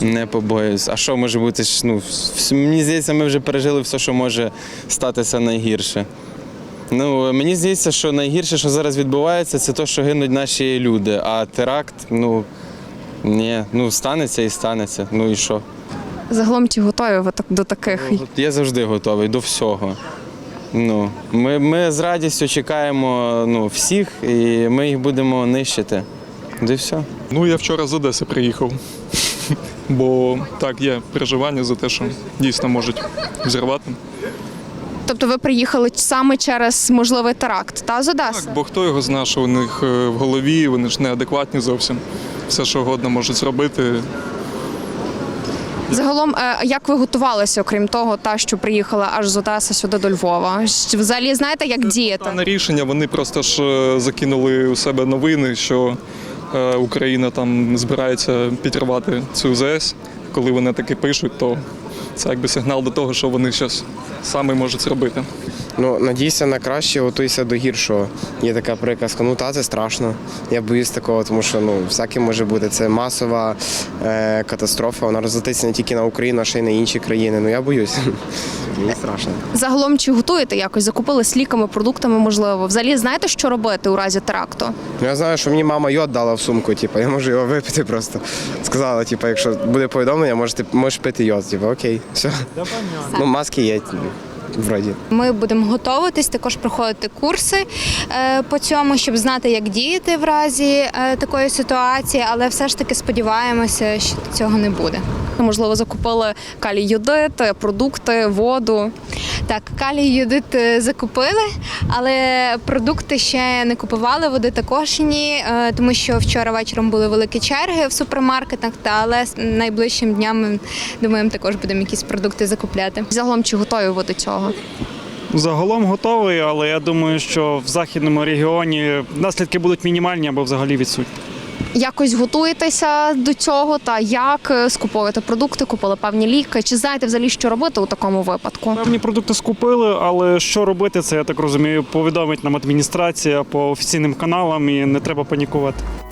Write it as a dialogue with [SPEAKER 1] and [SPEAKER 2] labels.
[SPEAKER 1] Не побоююсь. А що може бути? Ну, мені здається, ми вже пережили все, що може статися найгірше. Ну, мені здається, що найгірше, що зараз відбувається, це те, що гинуть наші люди. А теракт, ні, станеться і станеться. Ну і що?
[SPEAKER 2] Загалом чи готові ви до таких?
[SPEAKER 1] Я завжди готовий до всього. Ми з радістю чекаємо всіх, і ми їх будемо нищити. І все.
[SPEAKER 3] Я вчора з Одеси приїхав, бо так, є переживання за те, що дійсно можуть взірвати.
[SPEAKER 2] Тобто ви приїхали саме через можливий теракт, з Одеси?
[SPEAKER 3] Так, бо хто його знає, що у них в голові, вони ж неадекватні зовсім. Все, що угодно можуть зробити.
[SPEAKER 2] Загалом, як ви готувалися, окрім того, що приїхали аж з Одеси сюди до Львова? Взагалі знаєте, як діяти?
[SPEAKER 3] На рішення вони просто ж закинули у себе новини, що Україна там збирається підривати цю ЗС. Коли вони таки пишуть, то це якби сигнал до того, що вони щось саме можуть зробити.
[SPEAKER 4] Надійся на краще, готуйся до гіршого. Є така приказка, це страшно. Я боюсь такого, тому що всяке може бути. Це масова катастрофа, вона розлетиться не тільки на Україну, а ще й на інші країни. Я боюсь. Мені страшно.
[SPEAKER 2] Загалом, чи готуєте якось? Закупились ліками, продуктами, можливо? Взагалі знаєте, що робити у разі теракту?
[SPEAKER 4] Я знаю, що мені мама йод дала в сумку, я можу його випити просто. Сказала, якщо буде повідомлення, можеш пити йод. Окей, все. Маски є. Вроді.
[SPEAKER 5] Ми будемо готуватись, також проходити курси по цьому, щоб знати, як діяти в разі такої ситуації, але все ж таки сподіваємося, що цього не буде.
[SPEAKER 2] Можливо, закупили калій-йодит, продукти, воду.
[SPEAKER 5] Так, калій-йодит закупили, але продукти ще не купували, води також ні, тому що вчора вечором були великі черги в супермаркетах, але найближчим днями, думаємо, також будемо якісь продукти закупляти.
[SPEAKER 2] Загалом, чи готові ви до цього?
[SPEAKER 6] Загалом готовий, але я думаю, що в західному регіоні наслідки будуть мінімальні або взагалі відсутні.
[SPEAKER 2] Якось готуєтеся до цього та як скуповуєте продукти, купили певні ліки? Чи знаєте взагалі, що робити у такому випадку?
[SPEAKER 6] Певні продукти скупили, але що робити, це, я так розумію, повідомить нам адміністрація по офіційним каналам і не треба панікувати.